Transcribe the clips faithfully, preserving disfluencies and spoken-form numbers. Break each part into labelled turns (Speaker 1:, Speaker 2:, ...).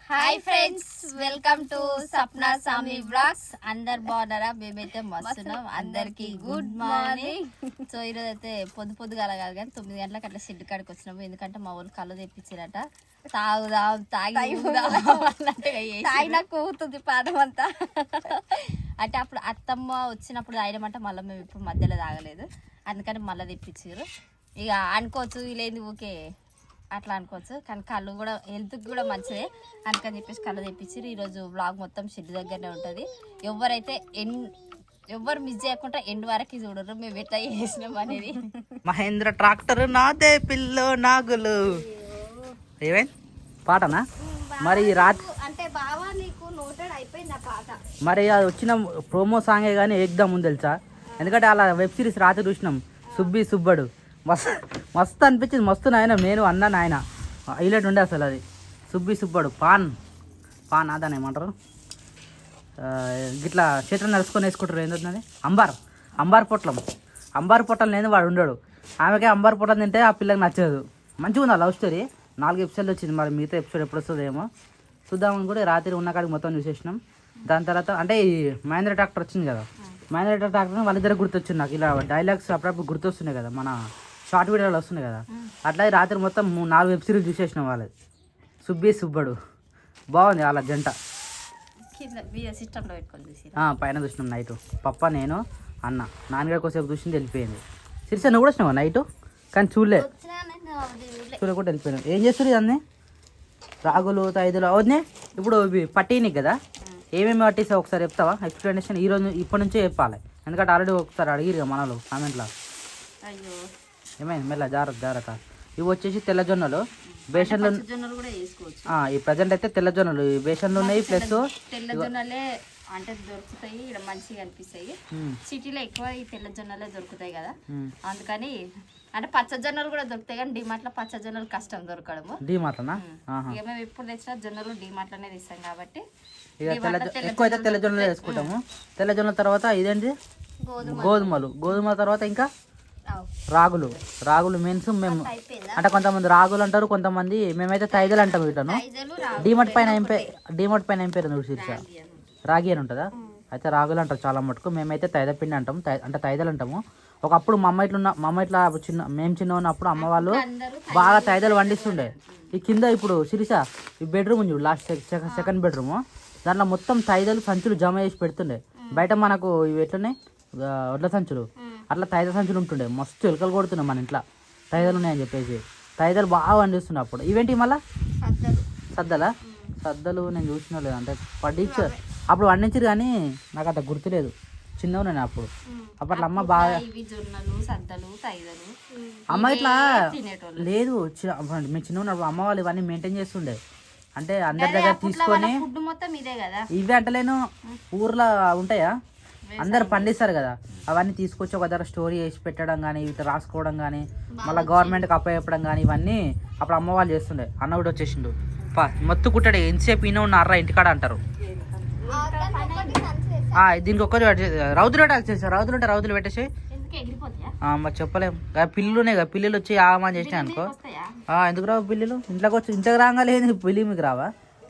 Speaker 1: Hi friends, welcome to Sapna Sami blogs. అందరు బాగున్నారా? మేమైతే మస్తున్నాం. అందరికి గుడ్ మార్నింగ్. సో ఈరోజు అయితే పొద్దు పొద్దుగా కాదు కానీ తొమ్మిది గంటలకు అట్లా షెడ్ కాడికి వచ్చినాము. ఎందుకంటే మా వాళ్ళు కళ్ళు తెప్పించారట. తాగుదాం తాగి తాగినా కూతుంది పాదం అంతా. అంటే అప్పుడు అత్తమ్మ వచ్చినప్పుడు తాగడమంటే మళ్ళీ మేము ఇప్పుడు మధ్యలో తాగలేదు, అందుకని మళ్ళీ తెప్పించారు. ఇక అనుకోవచ్చు వీళ్ళేంది ఊకే అట్లా అనుకోవచ్చు, కానీ కళ్ళు కూడా హెల్త్కి కూడా మంచిదే అందుకని చెప్పేసి కళ్ళు తెప్పించారు. ఈరోజు బ్లాగ్ మొత్తం షెడ్ దగ్గరనే ఉంటుంది. ఎవరైతే ఎన్ ఎవరు మిస్ చేయకుండా ఎండ్ వరకు చూడరు మేము ఎట్లా చేసినాం అనేది.
Speaker 2: మహేంద్ర ట్రాక్టర్ నాదే పిల్లో నాగులు ఏమైంది పాటనా? మరి రాత్రి
Speaker 1: అంటే బావా నీకు నోటెడ్ అయిపోయింది ఆ పాట. మరి
Speaker 2: అది వచ్చిన ప్రోమో సాంగే కానీ ఏకదమ్ ఉంది తెలుసా. ఎందుకంటే అలా వెబ్ సిరీస్ రాత్రి చూసినాం, సుబ్బి సుబ్బడు. మస్తు మస్తు అనిపించింది, మస్తు నాయన నేను అన్నా నాయన హైలైట్ ఉండే అసలు. అది సుబ్బి సుబ్బడు పాన్ పాన్ అదని ఏమంటారు, ఇట్లా చేతులు నడుచుకొని వేసుకుంటారు. ఏంటది అంబార్ అంబార్ పొట్లం అంబార్ పొట్టలు నేను వాడు ఉండడు. ఆమెకే అంబార్ పొట్టలు తింటే ఆ పిల్లకి నచ్చదు. మంచిగా ఉంది ఆ లవ్ స్టోరీ. నాలుగు ఎపిసోడ్లు వచ్చింది, మరి మిగతా ఎపిసోడ్ ఎప్పుడు వస్తుందేమో చూద్దామని కూడా రాత్రి ఉన్న కాడికి మొత్తం చూసేసినాం. దాని తర్వాత అంటే ఈ మహేంద్ర ట్రాక్టర్ వచ్చింది కదా, మహేంద్ర ట్రాక్టర్ వాళ్ళిద్దరు గుర్తొచ్చింది నాకు. ఇలా డైలాగ్స్ అప్పుడప్పుడు గుర్తొస్తున్నాయి కదా, మన షార్ట్ వీడియోలు వస్తున్నాయి కదా. అట్లా రాత్రి మొత్తం నాలుగు వెబ్ సిరీస్ చూసేసినాం వాళ్ళది. సుబ్బి సుబ్బడు బాగుంది వాళ్ళ జంట. పైన చూసినాం నైట్ పప్ప నేను అన్న నాన్నగారి కోసేపు చూసింది వెళ్ళిపోయింది. సిరిసా నువ్వు కూడా వచ్చినావా నైట్? కానీ చూడలే చూడకుండా వెళ్ళిపోయినావు. ఏం చేస్తారు ఇవన్నీ రాగులు తైదులు అవన్నీ ఇప్పుడు పట్టిని కదా, ఏమేమి పట్టిస్తావు ఒకసారి చెప్తావా? ఎక్స్ప్లెనేషన్ ఈరోజు ఇప్పటి నుంచే చెప్పాలి, ఎందుకంటే ఆల్రెడీ ఒకసారి అడిగిరు కదా మనలో కామెంట్లో. ఏమైంది మెల్ల జాగ్రత్త జాగ్రత్త. ఇవి వచ్చేసి తెల్లజొన్నలు, బేసన్లు. ఈ ప్రజెంట్ అయితే తెల్లజొన్నలు ఈ బేసన్లు ఉన్నాయి. ప్లస్
Speaker 1: తెల్లజొన్నలే అంటే దొరుకుతాయి ఇక్కడ మంచిగా అనిపిస్తాయి. సిటీలో ఎక్కువ ఈ తెల్లజొన్నలే దొరుకుతాయి కదా, అందుకని అంటే పచ్చజొన్నలు కూడా దొరుకుతాయి కానీ డిమార్ట్ లో పచ్చజొన్నలు కష్టం దొరకడము.
Speaker 2: డిమార్ట్నా
Speaker 1: ఇక మేము ఎప్పుడు తెచ్చినా జొన్నలు డిమార్ట్ లోనే తెస్తాం కాబట్టి
Speaker 2: ఇక తెల్ల ఎక్కువ అయితే తెల్లజొన్నలు వేసుకుంటాము. తెల్లజొన్నల తర్వాత ఇదేంటి గోధుమలు, గోధుమల తర్వాత ఇంకా రాగులు. రాగులు మీన్స్ మేము అంటే కొంతమంది రాగులు అంటారు, కొంతమంది మేమైతే తైదలు అంటాం. వీటిను డిమార్ట్ పైన ఏం పేరు, డిమార్ట్ పైన ఏం పేరు శీర్ష రాగి అని ఉంటుందా? అయితే రాగులు అంటారు చాలా మటుకు. మేమైతే తైద పిండి అంటాం, అంటే తైదలు అంటాము. ఒకప్పుడు మా అమ్మ ఇట్లున్న మా అమ్మ ఇట్లా చిన్న మేము చిన్న ఉన్నప్పుడు అమ్మ వాళ్ళు బాగా తైదలు వండిస్తుండే. ఈ కింద ఇప్పుడు శిరీష ఈ బెడ్రూమ్ ఉంది లాస్ట్ సెకండ్ బెడ్రూమ్, దాంట్లో మొత్తం తైదలు సంచులు జమ చేసి పెడుతుండే. బయట మనకు ఇవి ఎట్లున్నాయి వడ్ల సంచులు, అట్లా తైద సంచులు ఉంటుండే. మస్తు ఎలుకలు కొడుతున్నాయి మన ఇంట్లో తైదలు ఉన్నాయని చెప్పేసి. తైదలు బాగా వండిస్తుండే అప్పుడు. ఇవేంటి మళ్ళా సద్దలా సద్దలు నేను చూసిన లేదు, అంటే పడించ అప్పుడు వండించారు కానీ నాకు అంత గుర్తులేదు, చిన్నగా నేను అప్పుడు. అప్పట్లో అమ్మ బాగా అమ్మ ఇట్లా లేదు. మేము చిన్న ఉన్నప్పుడు అమ్మ వాళ్ళు ఇవన్నీ మెయింటైన్ చేస్తుండే. అంటే అందరి దగ్గర తీసుకొని ఇవి అంటలేను ఊర్లో ఉంటాయా అందరు పండిస్తారు కదా, అవన్నీ తీసుకొచ్చి ఒక దగ్గర స్టోరీ చేసి పెట్టడం కానీ ఇవి రాసుకోవడం కానీ మళ్ళీ గవర్నమెంట్కి అప్పచెప్పడం కానీ ఇవన్నీ అప్పుడు అమ్మ వాళ్ళు చేస్తుండే. అన్న కూడా వచ్చేసిండు పా మొత్తం కుట్టాడు ఎంతసేపు ఈయన ఉన్న అర్రా ఇంటికాడ అంటారు. దీనికి ఒక్కరు రౌతులు పెట్టాల్సి రౌతులు ఉంటే రౌతులు పెట్టేసి మరి చెప్పలేం. పిల్లునే కదా పిల్లులు వచ్చి ఆగమని చేసినాయి అనుకో. ఎందుకు రావు పిల్లులు ఇంట్లోకి వచ్చి ఇంట్లోకి రాగాలేదు పిల్లి మీకు రావా?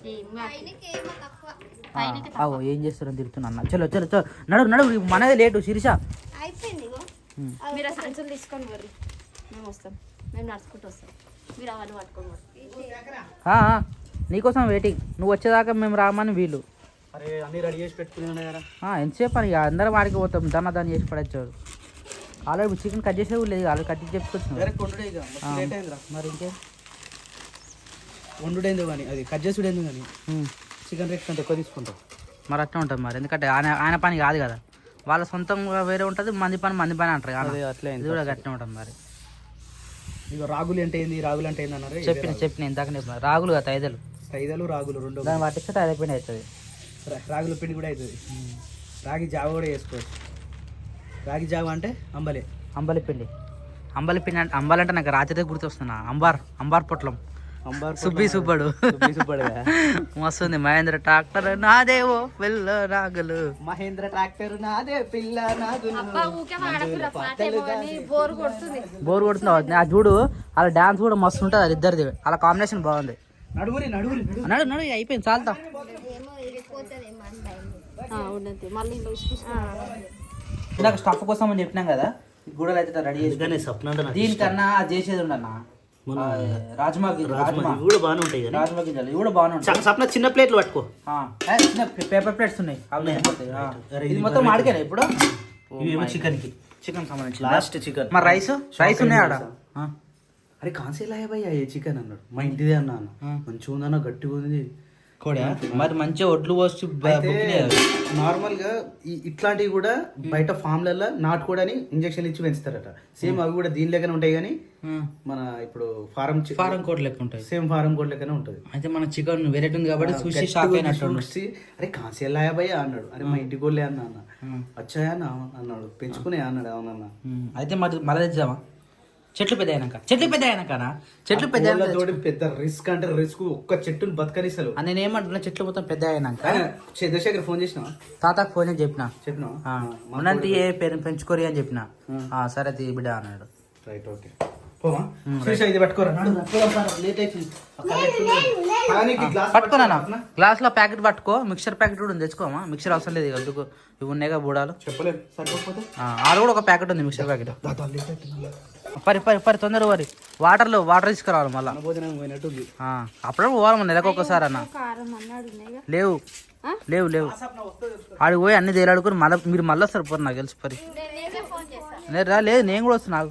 Speaker 2: అవో ఏం చేస్తారని తిరుగుతున్నా అన్న. చలో చలో చలో నడు నడు మనదే లేటు శిరీష. నీకోసం వెయిటింగ్, నువ్వు వచ్చేదాకా మేము రామని వీళ్ళు ఎంతసేపు అని అందరం వాడికి పోతాం. దాన్ని దాన్ని చేసి పడేచ్చాడు. ఆల్రెడీ చికెన్ కట్ చేసే లేదు, ఆల్రెడీ కట్ చేసి చెప్పుకొచ్చిన మరి ఇంకే
Speaker 3: వండుడేందో కానీ అది కట్ చేసుడేందో కానీ చికెన్ రేట్ కంటే ఎక్కువ తీసుకుంటాం.
Speaker 2: మరి అట్లా ఉంటుంది మరి, ఎందుకంటే ఆయన ఆయన పని కాదు కదా, వాళ్ళ సొంతంగా వేరే ఉంటుంది, మంది పని మంది పని అంటారు కదా, అట్లా ఇది కూడా గట్టిగా ఉంటుంది. మరి
Speaker 3: ఇక రాగులు అంటే ఏంది, రాగులు అంటే ఏంది అన్నారు.
Speaker 2: చెప్పిన చెప్పిన ఇందాక రాగులు కదా తైదలు
Speaker 3: తైదలు రాగులు రెండు
Speaker 2: దాన్ని పట్టిస్తే తైద పిండి అవుతుంది.
Speaker 3: రాగుల పిండి కూడా అవుతుంది. రాగి జావ కూడా వేసుకోవచ్చు. రాగి జావ అంటే అంబలే
Speaker 2: అంబలి పిండి అంబలి పిండి అంటే అంబలంటే నాకు రాత్రి గుర్తొస్తున్నా అంబార్ అంబార్ పొట్లం సుబ్బి సుబ్బడు మస్తుంది. మహేంద్ర ట్రాక్టర్ నాదేవో పిల్ల రాగులు,
Speaker 3: మహేంద్ర ట్రాక్టర్ నాదే పిల్ల నాగులు.
Speaker 2: బోర్ కొడుతున్నావు ఆ చూడు, వాళ్ళ డాన్స్ కూడా మస్తు ఉంటుంది. అది ఇద్దరిది వాళ్ళ కాంబినేషన్ బాగుంది.
Speaker 3: నడుగురి నడుగురి
Speaker 2: నడు నడు ఇక అయిపోయింది చాలుతా. ఇందాక స్టఫ్ కోసం అని చెప్పినాం కదా, గుడలు అయితే రెడీ చేసి
Speaker 3: సప్న
Speaker 2: దీనికన్నా అది చేసేది ఉండన్నా రాజ్మా గింజలు. రాజ్మా
Speaker 3: ఇవి కూడా బాగానే ఉంటాయి కానీ
Speaker 2: రాజ్మా గింజలు ఇవి కూడా బాగానే ఉంటాయి.
Speaker 3: సప్న చిన్న ప్లేట్లు పట్టుకో.
Speaker 2: ఆ, ఏ, చిన్న పేపర్ ప్లేట్స్ ఉన్నాయి అవి అయిపోతాయి. ఆ. ఇది మొత్తం మాడికేనా ఇప్పుడు?
Speaker 3: ఇవేమో చికెన్ కి
Speaker 2: చికెన్ సంబంధించి
Speaker 3: లాస్ట్ చికెన్.
Speaker 2: మరి రైస్ రైస్ ఉన్నాయి ఆడ. ఆ.
Speaker 3: అరే కాన్సేలాయ భయ్యా ఏ చికెన్ అన్నాడు. మా ఇంటిదే అన్నా అన్న మంచిగా ఉందన్న గట్టిగా ఉంది.
Speaker 2: మరి మంచిగా ఒడ్లు పోసి
Speaker 3: నార్మల్ గా ఈ- ఇట్లాంటివి కూడా బయట ఫామ్లలో నాటుకోడని ఇంజక్షన్ ఇచ్చి పెంచుతారట. సేమ్ అవి కూడా దీని లెక్కనే ఉంటాయి కానీ మన ఇప్పుడు ఫారం
Speaker 2: ఫారం కోట్ లెక్క ఉంటాయి.
Speaker 3: సేమ్ ఫారం కోడ్ లెక్కనే ఉంటుంది.
Speaker 2: అయితే మన చికెన్ వెరైటీ ఉంది కాబట్టి చూసి షాక్ అయినట్టు.
Speaker 3: చూసి అరే కాన్సేలాయ భయ్యా అన్నాడు. అరే మా ఇంటికి కోళ్ళే అన్న అన్న వచ్చాయా అన్న అన్నాడు. పెంచుకునే అన్నాడు. అవునన్నా.
Speaker 2: అయితే మరి మళ్ళీ తెచ్చామా? చెట్లు పెద్ద అయినాక చెట్లు పెద్ద అయినాకనా చెట్లు పెద్ద
Speaker 3: తోటి పెద్ద రిస్క్ అంటే రిస్క్ ఒక్క చెట్టుని బతకనిస్తలు.
Speaker 2: నేను ఏమంటున్నా, చెట్లు మొత్తం పెద్ద అయినాక
Speaker 3: చంద్రశేఖర్ ఫోన్ చేసినా
Speaker 2: తాతకు ఫోన్ చేసి చెప్పిన,
Speaker 3: చెప్పినా
Speaker 2: ఉన్నంత ఏ పేరు పెంచుకోరి అని చెప్పిన. ఆ, సరే తీ బిడ్డ అన్నాడు.
Speaker 3: రైట్ ఓకే పోమా ఇది పట్టుకోరా లేట్ అవుతుంది.
Speaker 2: పట్టుకోనా గ్లాస్ లో ప్యాకెట్ పట్టుకో. మిక్సర్ ప్యాకెట్ కూడా ఉంది, తెచ్చుకోమా. మిక్సర్ అవసరం లేదు ఇక ఎందుకు, ఇవి ఉన్నాయిగా బూడాలు.
Speaker 3: చెప్పలేదు సరిపోతే
Speaker 2: ఆడ కూడా ఒక ప్యాకెట్ ఉంది మిక్సర్ ప్యాకెట్. పరి పరి పరి తొందర పరి వాటర్లో వాటర్ తీసుకురావాలి మళ్ళీ.
Speaker 3: భోజనం పోయినట్టుంది.
Speaker 2: అప్పుడే పోవాలి మన నెలకు ఒకసారి అన్న. లేవు లేవు లేవు ఆడికి పోయి అన్ని తేలాడుకుని మళ్ళీ మీరు మళ్ళీ వస్తారు పోరు నాకు తెలిసి పరి. లేదు రా, లేదు నేను కూడా వస్తున్నా. నాకు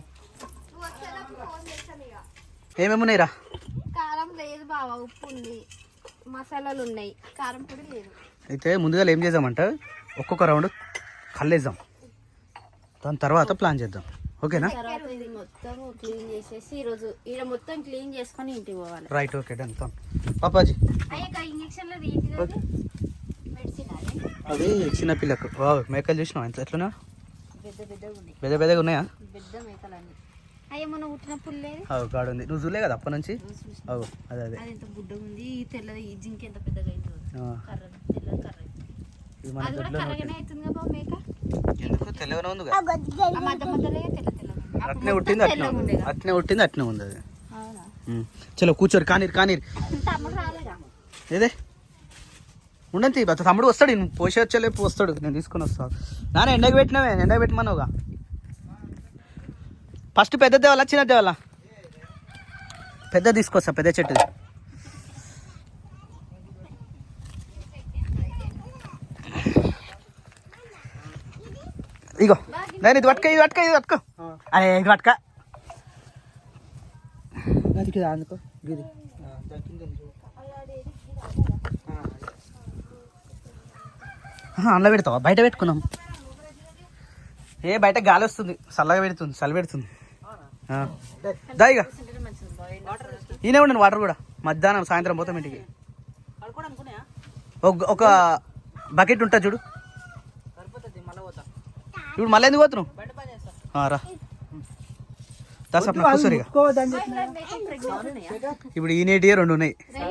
Speaker 2: ఏమేమి ఉన్నాయి రా?
Speaker 1: కారం లేదు బావ, ఉప్పు ఉంది, మసాలాలు ఉన్నాయి, కారం పొడి లేదు.
Speaker 3: అయితే ముందుగా ఏం చేద్దామంటే ఒక్కొక్క రౌండ్ కల్లేద్దాం, దాని తర్వాత ప్లాన్ చేద్దాం. ఓకేనా?
Speaker 1: తర్వాత ఇది మొత్తం క్లీన్ చేసేసి ఈ రోజు ఈడ మొత్తం క్లీన్ చేసుకొని ఇంటికి పోవాలి.
Speaker 3: Right okay done. పాపాజీ
Speaker 1: అయ్యాక ఇంజక్షన్ లో ఏంటి మెడిసిన్
Speaker 3: అది చిన్నపిల్లకు మేకలు చూసినావు ఎంత ఎట్లున్నా
Speaker 1: పెద్ద పెద్దగా ఉన్నాయి.
Speaker 3: పెద్ద పెద్దగా ఉన్నాయా?
Speaker 1: పెద్ద మేకలు అన్ని అయ్యా మొన్న పుట్టినప్పుడు లేదు.
Speaker 3: అవు కాడు ఉంది. నువ్వు చూడలే కదా అప్పటి నుంచి. అవు అదే అదే
Speaker 1: అది ఎంత బుడ్డగా ఉంది. ఈ తెల్లది ఈ జింక ఎంత పెద్దగా అయింది. కర్ర తెల్లది కర్ర
Speaker 3: ఇది మన
Speaker 1: అది కూడా కర్రగానే అవుతుంది కదా బాబు మేక.
Speaker 3: ఎందుకు తెల్లగానే ఉంది
Speaker 1: ఆ మధ్య మధ్యలో తెల్ల తెల్లగా
Speaker 3: అట్నే పుట్టింది అట్నే ఉంది. అట్నే పుట్టింది అట్నే ఉంది అది.
Speaker 1: అవునా?
Speaker 3: చలో కూర్చోరు కానీరు కానీరు
Speaker 1: తమ్ముడు రాలేదా?
Speaker 3: ఏదే ఉండంతి తమ్ముడు వస్తాడు. నేను పోసే వచ్చేలేపు వస్తాడు, నేను తీసుకొని వస్తాను. నాన్న ఎండకు పెట్టినావే, ఎండకు పెట్టమన్నావుగా. ఫస్ట్ పెద్ద దేవాలా చిన్న దేవాలా? పెద్ద తీసుకొస్తా, పెద్ద చెట్టు. ఇగో నేను ఇది పట్టుకో, ఇది పట్టుకో, ఇది పట్టుకో. అరే ఇది పట్టుక అందుకో గిది అందులో పెడతావా? బయట పెట్టుకున్నాం. ఏ బయట గాలి వస్తుంది, చల్లగా పెడుతుంది, చలి పెడుతుంది. దా ఇక ఈయనే ఉండండి వాటర్ కూడా. మధ్యాహ్నం సాయంత్రం పోతాం ఇంటికి. ఒక- ఒక బకెట్ ఉంటుంది చూడు. ఇప్పుడు మళ్ళీ ఎందుకు పోతున్నావు? రా దసప్న కూర్చోరు. ఇక ఇప్పుడు ఈ నీటి రెండు ఉన్నాయి.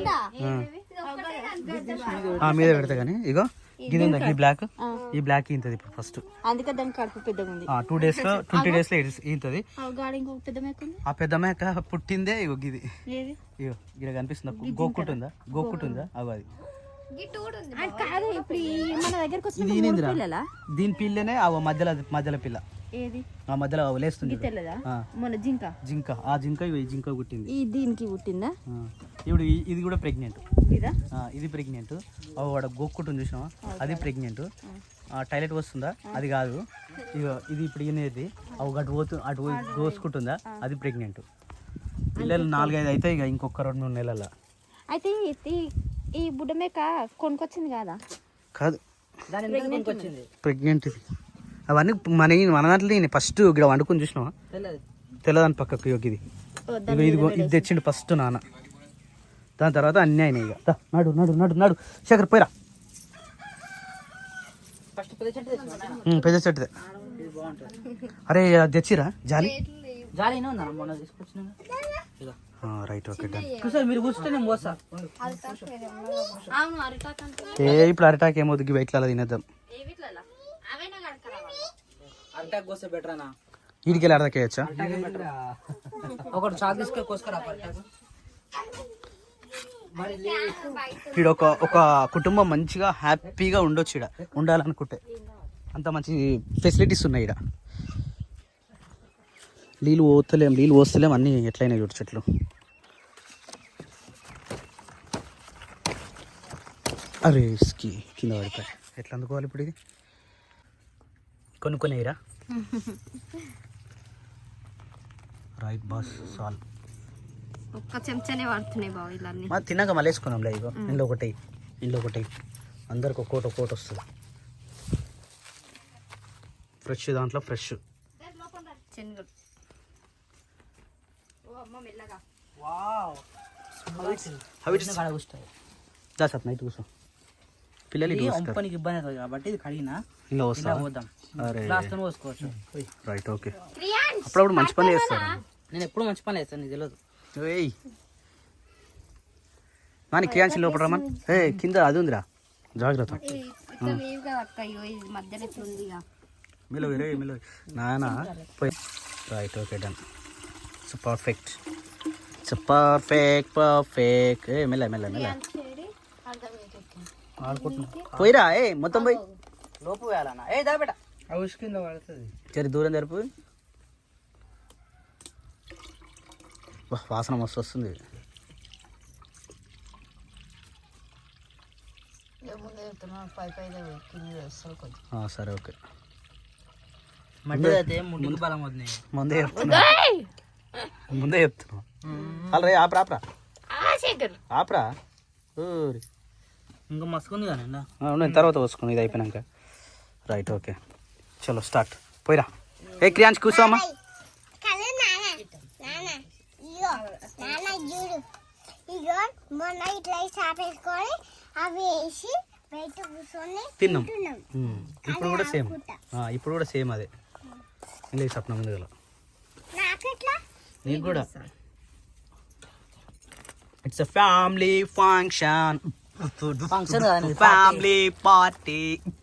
Speaker 3: మీద పెడతా కానీ ఇగో గిది ఉందా ఈ బ్లాక్, ఈ బ్లాక్ ఇంతది ఇప్పుడు ఫస్ట్.
Speaker 1: అందుకే దాని కడుపు పెద్దగా ఉంది.
Speaker 3: టూ డేస్ లో ట్వంటీ డేస్ లో ఇంతది.
Speaker 1: గాడి ఇంకొక పెద్ద మేక ఉంది.
Speaker 3: ఆ పెద్ద మేక పుట్టిందే ఇగో గిది.
Speaker 1: ఏది?
Speaker 3: ఇగో గిడ కనిపిస్తుందా? గోక్కుంటుందా? గోక్కుంటుందా? అవి అది
Speaker 1: అది కాదు. ఇప్పుడు ఈ మన దగ్గరకు
Speaker 3: ఇది
Speaker 1: వచ్చిన
Speaker 3: ఈనిందిరా.
Speaker 1: పిల్లలా?
Speaker 3: దీని పిల్లనే ఆ మధ్యలో మధ్యలో పిల్ల
Speaker 1: ఏది?
Speaker 3: ఆ మధ్యలో లేస్తుంది చూడు.
Speaker 1: తెల్లదా?
Speaker 3: ఆ.
Speaker 1: మన జింక
Speaker 3: జింక, ఆ జింక ఇగో ఈ జింక పుట్టింది.
Speaker 1: ఈ దీనికి పుట్టిందా?
Speaker 3: ఆ. ఇప్పుడు ఈ- ఇది కూడా ప్రెగ్నెంట్.
Speaker 1: ఇదా?
Speaker 3: ఇది ప్రెగ్నెంట్. వాడు గోక్కుంటుంది చూసినావా? అది ప్రెగ్నెంట్. టాయిలెట్ వస్తుందా? అది కాదు. ఇగో ఇది ఇప్పుడు ఈయనది. అవి అటు పోతు అటు పోయి గోసుకుంటుందా? అది ప్రెగ్నెంట్. పిల్లలు నాలుగైదు అయితే ఇక ఇంకొక రెండు మూడు నెలల.
Speaker 1: అయితే ఈ- ఈ బుడ్డ మేక కొనుకొచ్చింది కాదా?
Speaker 3: కాదు,
Speaker 2: వచ్చింది
Speaker 3: ప్రెగ్నెంట్ ఇది. అవన్నీ మన మన దాంట్లో ఈయన ఫస్ట్ ఇక్కడ వండుకొని చూసినావా? తెల్లదాని పక్కకు ఇగో ఇది. ఇగో ఇది ఇది తెచ్చిండు ఫస్ట్ నాన్న. దాని తర్వాత అన్నీ అయినాయి. ఇక దా, నడు నడు నడు నడు శేఖర్ పోయిరా.
Speaker 2: ఫస్ట్ పెద్ద చెట్టు తెచ్చుకున్నా.
Speaker 3: ఉమ్, పెద్ద చెట్టుదే. అరే అది తెచ్చిరా జాలి?
Speaker 2: జాలి ఉందా మొన్న తీసుకొచ్చిన?
Speaker 3: Right okay done.
Speaker 2: కూర్చోండి, మీరు కూర్చుంటే నేను పోస్తా.
Speaker 1: అవును అరిటాకంటే
Speaker 3: ఏ ఇప్పుడు అరటాక్ ఏమవుతుంది ఇట్లా తినేద్దాం.
Speaker 2: అరటాక్ కోస్తే బెటర్ అన్నా.
Speaker 3: వీడికి వెళ్ళి అరటాక్ వేయచ్చా?
Speaker 2: ఒకటి చాకు తీసుకొని కోసుకురా అరటాకు.
Speaker 3: ఇక్కడ ఒక ఒక కుటుంబం మంచిగా హ్యాపీగా ఉండొచ్చు ఇక్కడ ఉండాలనుకుంటే అంత మంచి ఫెసిలిటీస్ ఉన్నాయి ఇక్కడ. నీళ్ళు పోతలేం నీళ్ళు పోస్తలేం అన్నీ ఎట్లయినా చూడు చెట్లు. అరే స్కి కింద పడిపోయి ఎట్లా అందుకోవాలి ఇప్పుడు ఇది కొనుక్కొనేరా రైట్ బాస్ సాల్
Speaker 1: ఒక్క చెంచానే పడుతున్నాయి బావ ఇలా అన్ని.
Speaker 3: మా తిన్నాక మళ్ళీ వేసుకున్నాంలే ఇగో ఇంట్లో ఒకటి ఇంట్లో ఒకటి అందరికి ఒక్కోటి ఒక్కోటి వస్తుంది ఫ్రెష్ దాంట్లో ఫ్రెష్
Speaker 1: శనగలు. ఓ అమ్మ మెల్లగా.
Speaker 3: దా సత్ నైట్ కూర్చో పిల్లలు ఇటు వస్తారు.
Speaker 2: ఒంపనికి ఇబ్బంది అవుతుంది కాబట్టి ఇది కడిగినా
Speaker 3: ఇలా వస్తా
Speaker 2: పోద్దాం
Speaker 3: అరే
Speaker 2: గ్లాస్తో పోసుకోవచ్చు.
Speaker 3: రైట్ ఓకే అప్పుడప్పుడు మంచి పని చేస్తారు.
Speaker 2: నేను ఎప్పుడు మంచి పని చేస్తాను నీకు తెలియదు.
Speaker 3: ఏయ్ నాని క్రియాంశి లోపల రమ్మని ఏ కింద అది ఉందిరా జాగ్రత్త
Speaker 1: ఇట్లా లేవుగా అక్క, అయ్యో ఇది మధ్యలో ఇట్లా ఉంది ఇక.
Speaker 3: మిలో వేరే మిలో నానా పోయి right okay done so perfect so perfect perfect ఏ మెల్ల మెల్ల మెల్ల
Speaker 2: ఆడుకుంటున్నా
Speaker 3: పోయిరా ఏ మొత్తం పోయి
Speaker 2: లోపు వేయాలన్నా ఏ దా బేట హౌస్ కింద పడుతుంది.
Speaker 3: సరే దూరం జరుపు వా, వాసన మస్తు వస్తుంది. ఆ, సరే ఓకే
Speaker 2: మట్టి అయితే ముందుకు బలం వద్దు.
Speaker 3: ముందే చెప్తున్నా ముందే చెప్తున్నా అలా రే ఆపరా ఆపరా ఆపరా ఊరి
Speaker 2: ఇంకా మసుకుంది కానీ
Speaker 3: నేను తర్వాత వస్తున్నాను ఇది అయిపోయినాక రైట్ ఓకే చలో స్టార్ట్ పోయిరా ఏ క్రియాంశ్ కూర్చోమ్మా తిన్నాం ఉమ్, ఇప్పుడు కూడా సేమ్ ఇప్పుడు కూడా సేమ్ అదే ఇంగ్లీష్ సప్న ముందు గల నీకు కూడా it's a family function
Speaker 2: function
Speaker 3: family party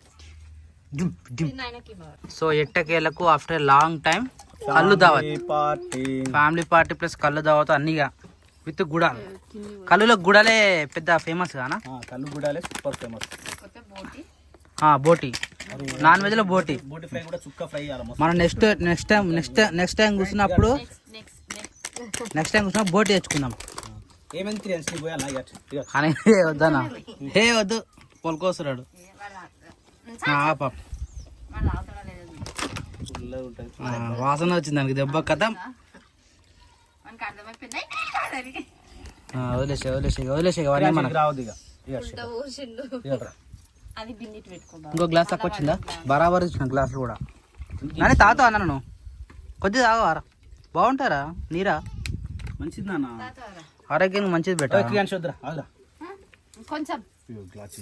Speaker 1: నాయనకి బావ.
Speaker 2: సో ఎట్టకేలకు ఆఫ్టర్ లాంగ్ టైం కళ్ళు దావత్
Speaker 3: పార్టీ
Speaker 2: ఫ్యామిలీ పార్టీ ప్లస్ కళ్ళు దావత్ అన్నీగా విత్ గుడ కళ్ళులో గుడలే పెద్ద ఫేమస్ గానా
Speaker 3: కళ్ళు గుడాలే సూపర్ ఫేమస్
Speaker 1: కొత్త బోటి.
Speaker 2: బోటి నాన్ వెజ్ లో బోటి
Speaker 3: బోటి ఫ్రై కూడా చుక్క ఫ్రై చేయాలి
Speaker 2: మనం next next time next next time కూర్చున్నప్పుడు
Speaker 1: నెక్స్ట్ నెక్స్ట్
Speaker 2: నెక్స్ట్ టైం కూర్చున్నప్పుడు బోటి తెచ్చుకుందాం
Speaker 3: ఏమైంది క్రియాంశ్ నీ పోయాలా
Speaker 2: అని వద్దనా హే వద్దు పొలకోసరాడు పాప
Speaker 1: వాళ్ళు అవతల లేదు.
Speaker 3: ఉంటుంది
Speaker 2: వాసన వచ్చింది దానికి దెబ్బ కథ
Speaker 1: మనకి అర్థమైపోయింది.
Speaker 2: వదిలేసే వదిలేసే వదిలేసే అవన్నీ మనకు
Speaker 3: రావద్దు ఇక
Speaker 1: ఇంత ఊసిండు.
Speaker 3: ఇక
Speaker 1: అది బిన్నిటి పెట్టుకోబా.
Speaker 2: ఇంకో గ్లాస్ తక్కువ వచ్చిందా బరాబర్ ఇచ్చిన గ్లాసులు కూడా కానీ తాగుతావా నన్ను కొద్దిగా తాగవారా బాగుంటారా నీరా
Speaker 3: మంచిది నాన్న
Speaker 2: ఆరోగ్యానికి మంచిది బెట
Speaker 3: క్రియాంశ్ వద్దురా ఆగురా
Speaker 1: కొంచెం
Speaker 3: గ్లాస్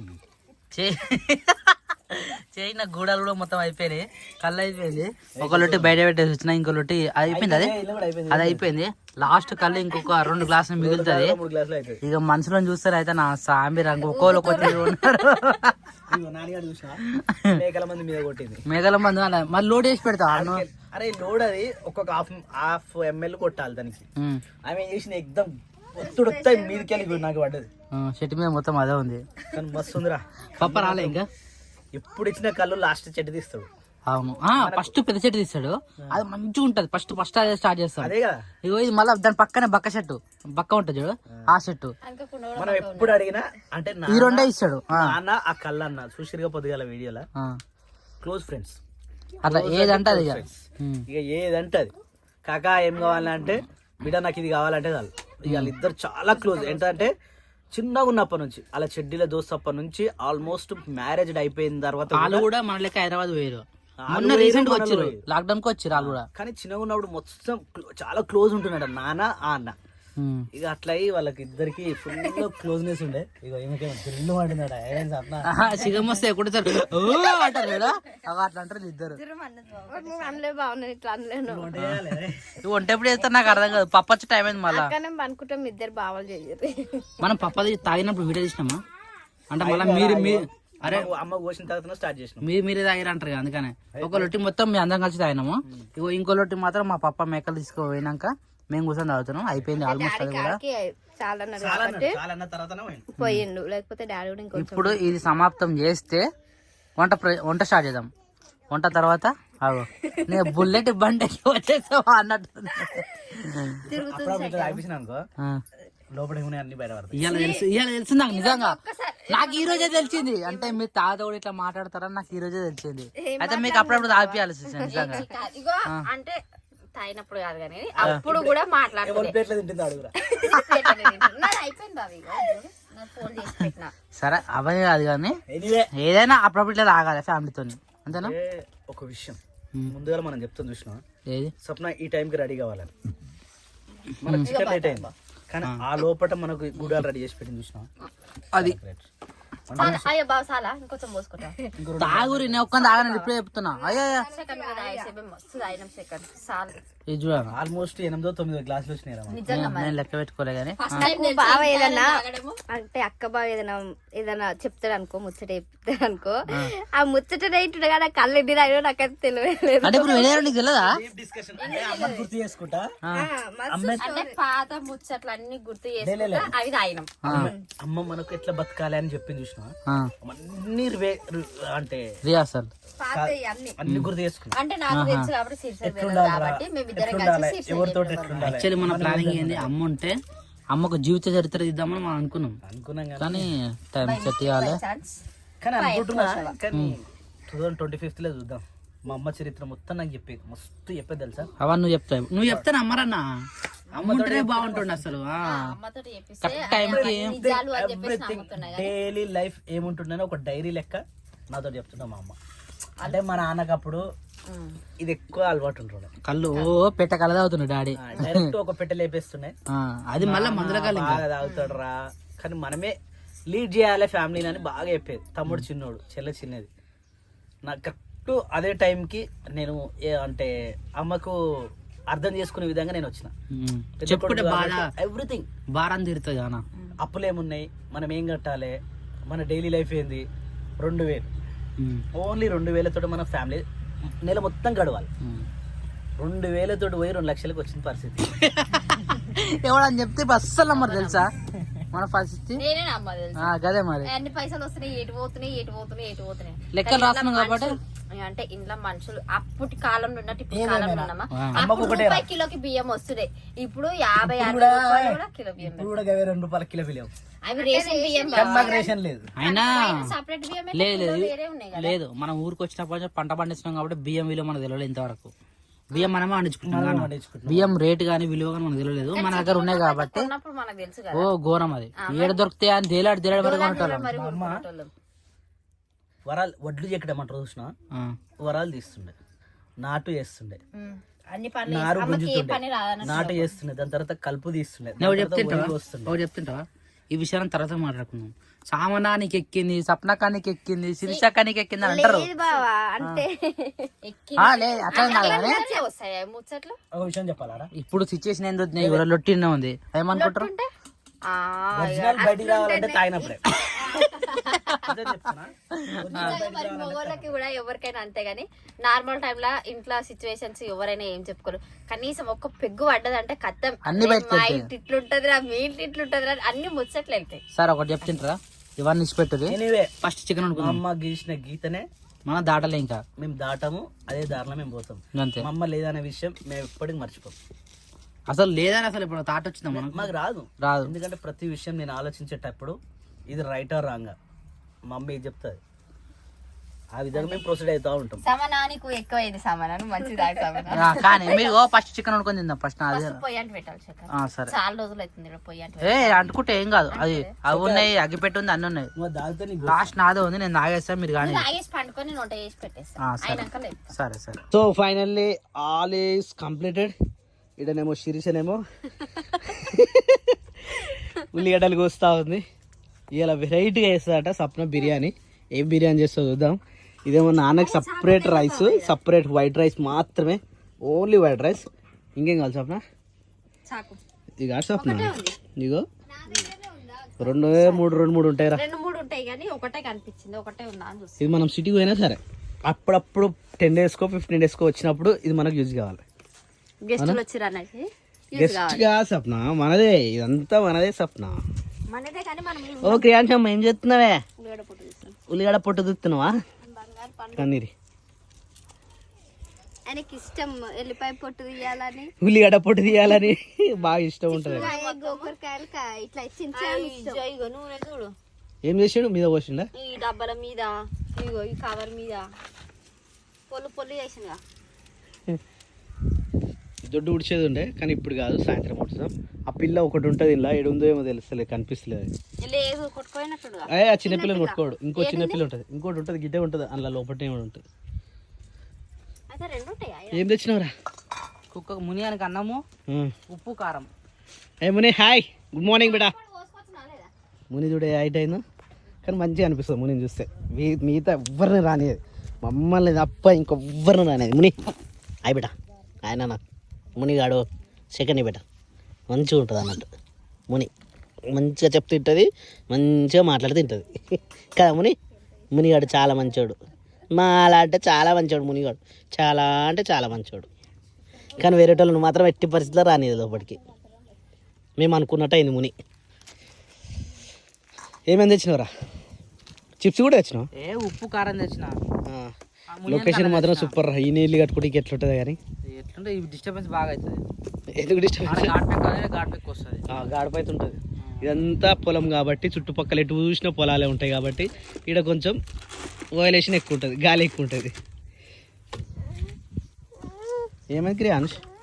Speaker 2: చేయిన గూడాలు కూడా మొత్తం అయిపోయినాయి కళ్ళు అయిపోయింది ఒక లొట్టి బయట పెట్టేసి వచ్చిన ఇంకో లొట్టి అది అయిపోయింది అది అది అయిపోయింది లాస్ట్ కళ్ళు ఇంకొక రెండు గ్లాసులు మిగులుతుంది
Speaker 3: మూడు గ్లాసులు అవుతుంది
Speaker 2: ఇక మనుషులను చూస్తారు అయితే నా సాంబి రంగు ఒక్కోళ్ళు ఒక్కొక్క ఉన్నారు
Speaker 3: నాన్నగారు చూసా మేకల మంది మీద కొట్టింది
Speaker 2: మేఘల మంది అలా మళ్ళీ లోడ్ చేసి పెడతా
Speaker 3: అరే లోడ్ అది ఒక్కొక్క హాఫ్ హాఫ్ ఎంఎల్ కొట్టాలి దానికి ఆమె ఏం చేసిన ఎగ్దం ఒత్తుడు వస్తాయి మీదకి వెళ్ళి నాకు పడ్డది
Speaker 2: చెట్టు మీద మొత్తం అదే ఉంది
Speaker 3: కానీ మస్తు ఉందిరా
Speaker 2: పప్ప రాలే ఇంకా
Speaker 3: ఎప్పుడు ఇచ్చిన కళ్ళు లాస్ట్ చెట్టు తీస్తాడు
Speaker 2: అవును ఫస్ట్ పెద్ద చెట్టు తీస్తాడు అది మంచిగా ఉంటది ఫస్ట్ ఫస్ట్ అదే స్టార్ట్ చేస్తాడు
Speaker 3: అదే కదా
Speaker 2: ఇగో ఇది మళ్ళీ దాని పక్కనే బక్క చెట్టు బక్క ఉంటది చూడు ఆ చెట్టు
Speaker 3: మనం ఎప్పుడు అడిగినా అంటే నా-
Speaker 2: ఈ రెండే ఇస్తాడు ఆ,
Speaker 3: నాన్న ఆ కళ్ళు అన్న చూసిరుగా పొద్దుగాల వీడియోలో
Speaker 2: ఆ.
Speaker 3: క్లోజ్ ఫ్రెండ్స్
Speaker 2: అట్లా ఏదంటే అది ఇక. ఉమ్.
Speaker 3: ఇక ఏదంటే అది కాకా ఏం కావాలంటే బిడ్డ నాకు ఇది కావాలంటే చాలు ఇక వాళ్ళిద్దరు చాలా క్లోజ్ ఏంటంటే చిన్నగా ఉన్నప్పటి నుంచి అలా చెడ్డీల దోస్తప్పటి నుంచి ఆల్మోస్ట్ మ్యారేజ్ అయిపోయిన తర్వాత
Speaker 2: వాళ్ళు కూడా మన లెక్క హైదరాబాద్ పోయారు
Speaker 3: వాళ్ళు
Speaker 2: మొన్న
Speaker 3: వేరు,
Speaker 2: రీసెంట్ గా
Speaker 3: మనలో
Speaker 2: వచ్చారు
Speaker 3: వేరు.
Speaker 2: లాక్డౌన్ కి వచ్చారు వాళ్ళు కూడా
Speaker 3: కానీ చిన్నగా ఉన్నప్పుడు మొత్తం clo- చాలా క్లోజ్ ఉంటున్నాడు నాన్న ఆ అన్న
Speaker 2: ఉమ్.
Speaker 3: ఇక అట్లా అయ్యి వాళ్ళకి ఇద్దరికి ఫుల్ క్లోజ్నెస్ ఉండే ఇక ఏమిటో థ్రిల్ అంటున్నాడు ఏం సప్న
Speaker 2: ఆహా, సిగం వస్తే కొడతారు ఓ అంటారు కదా అవి అట్లా అంటారు ఇద్దరు
Speaker 1: అనలే బాగున్నాను ఇట్లా అనలేను.
Speaker 2: నువ్వు వంట ఎప్పుడు చేస్తారు నాకు అర్థం కాదు పప్పు వచ్చే టైం అయింది మళ్ళా
Speaker 1: కానీ అనుకుంటాం ఇద్దరు బావలు చేయరు.
Speaker 2: మనం పప్పది తాగినప్పుడు వీడియో తీసినామా అంటే మళ్ళీ మీరు మీ అరే
Speaker 3: అమ్మ కోసిన తర్వాత స్టార్ట్ చేసినాం
Speaker 2: మీరు మీరే తాగిరు అంటారు కదా అందుకనే ఒక లొట్టి మొత్తం మీ అందరం కలిసి తాగినాము ఇగో ఇంకో లొట్టి మాత్రం మా పప్ప మేకలు తీసుకుపోయినాక మేము కూర్చొని తాగుతున్నాం. అయిపోయింది ఆల్మోస్ట్ అది కూడా.
Speaker 1: చాలా అన్నాడు
Speaker 3: చాలా
Speaker 1: కాబట్టి
Speaker 3: చాలా అన్న తర్వాతనే పోయిండు.
Speaker 1: పోయిండు, లేకపోతే డాడీ కూడా ఇంకొంచెం.
Speaker 2: ఇప్పుడు ఇది సమాప్తం చేస్తే వంట ప్ర- వంట స్టార్ట్ చేద్దాం. వంట తర్వాత అగో నేను బుల్లెట్ బండి ఎక్కి వచ్చేసావా అన్నట్టు.
Speaker 3: అప్పుడు ఇట్లా తాగిపించిన అనుకో లోపల ఏమున్నాయి అన్ని బయట పడతాయి.
Speaker 2: ఇవాళ తెలుసు ఇవాళ తెలుసు నాకు నిజంగా. నాకు ఈ రోజే తెలిసింది. అంటే మీరు తాత కూడా ఇట్లా మాట్లాడతారని నాకు ఈ రోజే తెలిసింది. అయితే మీకు అప్పుడప్పుడు తాగిపియాలి సిస్టర్ నిజంగా.
Speaker 1: ఇగో అంటే తాగినప్పుడు కాదు కానీ అప్పుడు కూడా మాట్లాడుతుంది.
Speaker 3: ప్లేట్లో తింటుంది అడుగురా.
Speaker 1: అయిపోయింది బాబు, ఇగో నాకు ఫోన్ చేసి పెట్టినా.
Speaker 2: సరే అవన్నీ కాదు కానీ
Speaker 3: ఎనీవే
Speaker 2: ఏదైనా అప్పుడప్పుడు ఇట్లా తాగాలి ఫ్యామిలీతో, అంతేనా?
Speaker 3: ఒక విషయం ముందుగా మనం చెప్తాం చూసినా,
Speaker 2: ఏది
Speaker 3: స్వప్న ఈ టైంకి రెడీ కావాలని. మనకు చికెన్ లేట్ అయింది కానీ ఆ లోపల మనకు గుడాలు రెడీ చేసి పెట్టింది చూసినా.
Speaker 2: అది
Speaker 1: అయ్యో బాబు చాలా ఇంకొంచెం పోసుకుంటా.
Speaker 2: తాగురి నేను ఒక్క తాగను ఇప్పుడే చెప్తున్నా. అయ్యా
Speaker 1: సెకండ్ మీద తాగేసేపు మస్తు తాగినాం సెకండ్ చాలు.
Speaker 2: ఇది చూడాలి.
Speaker 3: ఆల్మోస్ట్ ఎనిమిదో తొమ్మిదో గ్లాసులు వచ్చినాయి రా.
Speaker 1: నిజంగా
Speaker 2: నేను లెక్క పెట్టుకోలే కానీ
Speaker 1: బావ ఏదన్నా అంటే అక్క బావ ఏదైనా ఏదైనా చెప్తాడు అనుకో, ముచ్చట చెప్తాడు అనుకో, ఆ ముచ్చట రైతుండే కదా కళ్ళు ఎన్ని తాగినా నాకైతే తెలియలేదు.
Speaker 2: అంటే ఇప్పుడు వినేరు నీకు తెలియదా?
Speaker 3: డిస్కషన్ అంటే అమ్మ గుర్తు చేసుకుంటా
Speaker 1: అంటే పాత ముచ్చట్లు అన్ని గుర్తు చేసుకుంటా అవి తాగినాం.
Speaker 3: అమ్మ మనకు ఎట్లా బతకాలి అని చెప్పింది చూసినా.
Speaker 2: ఆ,
Speaker 3: అన్ని రివే- రి- అంటే
Speaker 2: రియాసల్
Speaker 1: పాత అన్ని
Speaker 3: అన్ని గుర్తు చేసుకున్నా.
Speaker 1: అంటే నాకు తెలుసు కాబట్టి సిరిసర్
Speaker 3: ఎట్లుండాలి
Speaker 1: కాబట్టి మేమిద్దరం
Speaker 3: ఎట్లుండాలి
Speaker 1: కలిసి
Speaker 3: ఎవరితో ఎట్లుండాలి
Speaker 2: యాక్చువల్లీ మన ప్లానింగ్ ఏంది, అమ్మ ఉంటే అమ్మకు జీవిత చరిత్ర ఇద్దామని మనం అనుకున్నాం.
Speaker 3: అనుకున్నాం కానీ
Speaker 2: కానీ టైం సెట్ చేయాలి.
Speaker 1: ఛాన్స్
Speaker 3: కానీ అనుకుంటున్నా కానీ టూ థౌసండ్ ట్వంటీ ఫిఫ్త్ లో చూద్దాం. మా అమ్మ చరిత్ర మొత్తం నాకు చెప్పేది మస్తు చెప్పేది తెలుసా.
Speaker 2: అవన్నీ నువ్వు చెప్తావు నువ్వు చెప్తాను అమ్మరన్నా. అమ్మ ఉంటేనే బాగుంటుండే అసలు.
Speaker 1: అమ్మతో చెప్పిస్తే
Speaker 2: కరెక్ట్ టైంకి
Speaker 1: నిజాలు అని చెప్పేసి
Speaker 3: ఎవ్రీథింగ్
Speaker 1: నమ్ముతున్నా.
Speaker 3: డైలీ లైఫ్ ఏముంటుందని ఒక డైరీ లెక్క నాతో చెప్తున్నా మా అమ్మ. అంటే మా నాన్నకు అప్పుడు ఇది ఎక్కువ అలవాటు ఉంటుండే.
Speaker 2: కళ్ళు ఓ పెట్ట కళ్ళ అవుతున్నాడు డాడీ.
Speaker 3: డైరెక్ట్ ఒక పెట్టె లేపేస్తుండే.
Speaker 2: ఆ, అది మళ్ళీ మందుల కాలం
Speaker 3: బాగా తాగుతాడు రా, కానీ మనమే లీడ్ చేయాలి ఫ్యామిలీని అని బాగా చెప్పేది. తమ్ముడు చిన్నోడు, చెల్లె చిన్నది. నాకు కరెక్ట్ అదే టైంకి నేను ఏ- అంటే అమ్మకు అర్థం చేసుకునే విధంగా నేను వచ్చిన.
Speaker 2: చెప్పుకుంటే బాధ
Speaker 3: ఎవ్రీథింగ్
Speaker 2: భారం తీరుతుంది అన్న.
Speaker 3: అప్పులు ఏమున్నాయి, మనం ఏం కట్టాలి, మన డైలీ లైఫ్ ఏంది. రెండు వేలు ఓన్లీ రెండు వేలతో మన ఫ్యామిలీ నెల మొత్తం గడవాలి. రెండు వేలతో పోయి రెండు లక్షలకు వచ్చిన పరిస్థితి.
Speaker 2: ఎవడని చెప్తే అస్సలు నమ్మరు తెలుసా మన పరిస్థితి.
Speaker 1: నేనే నమ్మదు తెలుసు.
Speaker 2: ఆ, గదే మరి
Speaker 1: అన్ని పైసలు వస్తున్నాయి, ఎటు పోతున్నాయి ఎటు పోతున్నాయి ఎటు పోతున్నాయి
Speaker 2: లెక్కలు రాస్తున్నాం కాబట్టి.
Speaker 1: అంటే ఇంట్లో మనుషులు అప్పటి కాలంలో ఉన్నట్టు ఇప్పుడు కాలంలో ఉన్నామా.
Speaker 3: అమ్మకు
Speaker 1: అప్పుడు
Speaker 3: ఒకటే
Speaker 1: రూపాయి కిలోకి బియ్యం వస్తున్నాయి, ఇప్పుడు యాభై అరవై రూపాయలు కూడా కిలో బియ్యం.
Speaker 3: ఇప్పుడు కూడా గవే రెండు రూపాయల కిలో బియ్యం.
Speaker 1: అవి రేషన్ బియ్యం
Speaker 3: కానీ మాకు రేషన్ లేదు.
Speaker 2: అయినా
Speaker 1: సపరేట్ బియ్యం
Speaker 2: లేదు లేదు
Speaker 1: వేరే ఉన్నాయి కదా.
Speaker 2: లేదు మనం ఊరికి వచ్చినప్పటి నుంచి పంట పండిస్తున్నాం కాబట్టి బియ్యం విలువ మనకు తెలియలేదు ఇంతవరకు. బియ్యం మనమే పండించుకుంటాం కానీ
Speaker 3: పండించుకుంటున్నాం.
Speaker 2: బియ్యం రేటు కానీ విలువ కానీ మనకు తెలియలేదు. మన దగ్గర ఉన్నాయి కాబట్టి
Speaker 1: ఉన్నప్పుడు మనకు తెలుసు కదా.
Speaker 2: ఓ ఘోరం అది. ఏడు దొరికితే అని తేలాడు తేలాడు వరకు కొనుక్కోవాలి.
Speaker 1: మరి కొనుక్కునేటోళ్ళం.
Speaker 3: వరాలు వడ్లు చెక్కడమంటారు చూసిన, వరాలు తీస్తుండే, నాటు చేస్తుండే,
Speaker 1: ఉమ్. అన్ని పనులు
Speaker 3: నారు
Speaker 1: అమ్మకి ఏ
Speaker 3: గుంజుతుండే,
Speaker 1: పని రాదన్న
Speaker 3: నాటు చేస్తుండే, దాని తర్వాత కలుపు తీస్తుండే,
Speaker 2: నువ్వు
Speaker 3: దాని తర్వాత
Speaker 2: చెప్తుంటావా
Speaker 3: ఒడ్లు వస్తుండే.
Speaker 2: ఒకటి చెప్తుంటావా ఈ విషయాన్ని తర్వాత మాట్లాడుకుందాం. సామనానికి ఎక్కింది, సప్నకానికి ఎక్కింది, శిరీషకానికి ఎక్కింది అని అంటారు.
Speaker 1: లేదు బావా అంటే ఎక్కి
Speaker 2: ఆ, లేదు అట్లా కాదు కానీ
Speaker 1: అట్లే వస్తాయి ముచ్చట్లు.
Speaker 3: ఒక విషయం చెప్పాలా,
Speaker 2: ఇప్పుడు సిచ్యువేషన్ ఏందో ఎవరో లొట్టినే ఉంది ఏమనుకుంటారు.
Speaker 1: ఉంటే ఆ,
Speaker 3: ఒరిజినల్ బయటికి రావాలంటే తాగినప్పుడే. అదే చెప్తున్నా.
Speaker 1: నిజంగా మరి మగవాళ్ళకి కూడా ఎవరికైనా అంతే గానీ నార్మల్ టైంలో ఇంట్లో సిచ్యువేషన్స్ ఎవరైనా ఏం చెప్పుకోరు. కనీసం ఒక్క పెగ్గు పడ్డదంటే కత్తం
Speaker 2: అన్ని బయటకు
Speaker 1: మా
Speaker 2: వెళ్తాయి.
Speaker 1: ఇంటి ఇట్లుంటది రా, మీ ఇంటి ఇట్లుంటది రా, అన్ని ముచ్చట్లు వెళ్తాయి.
Speaker 2: సార్ ఒకటి చెప్తుంటారా, ఇవన్నీ ఇచ్చిపెట్టుది.
Speaker 3: ఎనీవే
Speaker 2: ఫస్ట్ చికెన్
Speaker 3: మా
Speaker 2: అనుకున్నాం,
Speaker 3: అమ్మ గీసిన గీతనే
Speaker 2: మనం దాటలే ఇంకా
Speaker 3: మేము దాటము, అదే దారిలో మేము పోతాం.
Speaker 2: అంతే.
Speaker 3: మా అమ్మ లేదనే విషయం మేము ఎప్పటికీ మర్చిపోం.
Speaker 2: అసలు లేదని అసలు ఇప్పుడు తాట వచ్చిందా మనకు
Speaker 3: మాకు రాదు
Speaker 2: రాదు.
Speaker 3: ఎందుకంటే ప్రతి విషయం నేను ఆలోచించేటప్పుడు ఇది రైటా రాంగా మా అమ్మ ఏది చెప్తుంది ఆ విధంగా మేము ప్రొసీడ్ అవుతా ఉంటాం.
Speaker 1: సమానానికి ఎక్కువైంది సమానం మంచిది సమానం.
Speaker 2: ఆ, కానీ మీరు ఓ ఫస్ట్ చికెన్ అనుకుని తిందాం ఫస్ట్ అదే.
Speaker 1: పొయ్యి అంటే పెట్టాలి చక్కర.
Speaker 2: ఆ, సరే
Speaker 1: చాలా రోజులు అవుతుంది ఇక్కడ పొయ్యి అంటే.
Speaker 2: ఏ అంటుకుంటే ఏం కాదు, అది అవి ఉన్నాయి, అగ్గిపెట్టి ఉంది, అన్ని ఉన్నాయి.
Speaker 3: నువ్వు దాగితే నీకు
Speaker 2: లాస్ట్ నాదే ఉంది, నేను తాగేస్తాను మీరు కానీ.
Speaker 1: తాగేసి పండుకొని నేను వంట చేసి పెట్టేస్తాను.
Speaker 2: ఆ, సరే
Speaker 1: అయినాక లేదు.
Speaker 2: సరే సరే.
Speaker 3: So finally all is completed. ఇడనేమో శిరీషనేమో ఉల్లిగడ్డలు కోస్తా ఉంది. ఇలా వెరైటీగా వేస్తుందట సప్న బిర్యానీ. ఏం బిర్యానీ చేస్తా చూద్దాం. ఇదేమో నాన్నకి separate rice, separate white rice మాత్రమే, ఓన్లీ వైట్ రైస్. ఇంకేం కావాలి సప్న?
Speaker 1: చాకు
Speaker 3: ఇక సప్న ఇగో రెండు మూడు రెండు మూడు ఉంటాయిరా.
Speaker 1: రెండు మూడు ఉంటాయి కానీ ఒకటే కనిపించింది, ఒకటే ఉందా అని చూసి.
Speaker 3: ఇది మనం సిటీకి పోయినా సరే అప్పుడప్పుడు టెన్ డేస్కో ఫిఫ్టీన్ డేస్కో వచ్చినప్పుడు ఇది మనకు యూజ్ కావాలి.
Speaker 1: గెస్టులు వచ్చారు అనేసి
Speaker 3: గెస్ట్ గా సప్న మనదే, ఇదంతా మనదే సప్న.
Speaker 1: మనదే కానీ మనం
Speaker 3: ఓ క్రియాంశమ్మ ఏం చేస్తున్నావే?
Speaker 1: ఉల్లిగడ్డ పొట్టు తీస్తాం.
Speaker 3: ఉల్లిగడ్డ పొట్టు చూస్తున్నావా?
Speaker 1: బంగారు పండు
Speaker 3: కన్నీరి
Speaker 1: ఆయనకి ఇష్టం ఎల్లిపాయ పొట్టు తీయాలని,
Speaker 3: ఉల్లిగడ్డ పొట్టు తీయాలని బాగా ఇష్టం ఉంటుంది.
Speaker 1: గోకరకాయలు ఇట్లా చిన్న ఇగో నూనె చూడు
Speaker 3: ఏం చేసాడు? మీద పోసిండా?
Speaker 1: ఈ డబ్బాల మీద, ఇగో ఈ కవర్ మీద పొల్లు పొల్లు చేసిందిగా.
Speaker 3: దొడ్డు ఉడిచేది ఉండే కానీ ఇప్పుడు కాదు, సాయంత్రం ఉడుస్తాం. ఆ పిల్ల ఒకటి ఉంటుంది ఇలా ఏడుందో ఏమో తెలుస్తలేదు, కనిపిస్తలేదు.
Speaker 1: లేదు కొట్టుకోయినట్టుగా.
Speaker 3: అయ్యే ఆ చిన్న పిల్లని కొట్టుకోడు. ఇంకో చిన్న పిల్ల ఉంటుంది, ఇంకోటి ఉంటుంది, గిడ్డే ఉంటుంది, అందులో లోపల ఏమో ఉంటుంది.
Speaker 1: అయితే రెండు ఉంటాయా?
Speaker 3: ఏం తెచ్చినావురా?
Speaker 2: కుక్క మునియానికి అన్నము, ఉప్పు, కారం.
Speaker 3: ఏ ముని హాయ్, గుడ్ మార్నింగ్ బేటా. ముని చూడే హైట్ అయిందో కానీ మంచిగా అనిపిస్తుంది మునిని చూస్తే. మీ మిగతా ఎవ్వరిని రానిది, మమ్మల్ని తప్ప ఇంకొవ్వరిని రానిది. ముని హాయ్ బేటా. ఆయన నాకు మునిగాడు సెకండ్ బేటా, మంచిగా ఉంటుంది అన్నట్టు. ముని మంచిగా చెప్తూ తింటుంది, మంచిగా మాట్లాడుతూ తింటుంది కదా ముని. మునిగాడు చాలా మంచోడు, మా అలా అంటే చాలా మంచోడు మునిగాడు, చాలా అంటే చాలా మంచోడు. కానీ వేరే వాళ్ళని మాత్రం ఎట్టి పరిస్థితిలో రానిది లోపలికి. మేము అనుకున్నట్టు అయింది ముని. ఏమేమి తెచ్చినవరా? చిప్స్ కూడా తెచ్చినావు?
Speaker 2: ఏ ఉప్పు కారం తెచ్చిన.
Speaker 3: లొకేషన్ మాత్రం సూపర్. ఈ నీళ్ళు కట్టుకుంటే ఎట్లుంటుంది కానీ
Speaker 2: ఎట్లుంటే ఈ డిస్టర్బెన్స్ బాగా అవుతుంది.
Speaker 3: ఎందుకు డిస్టర్బెన్స్?
Speaker 2: ఘాట్ పెక్ వస్తుంది,
Speaker 3: గాడిపైతే ఉంటుంది. ఇదంతా పొలం కాబట్టి చుట్టుపక్కల ఎటు చూసిన పొలాలే ఉంటాయి కాబట్టి ఇక్కడ కొంచెం వైలేషన్ ఎక్కువ ఉంటుంది, గాలి ఎక్కువ ఉంటుంది. ఏమైంది క్రియాన్స్?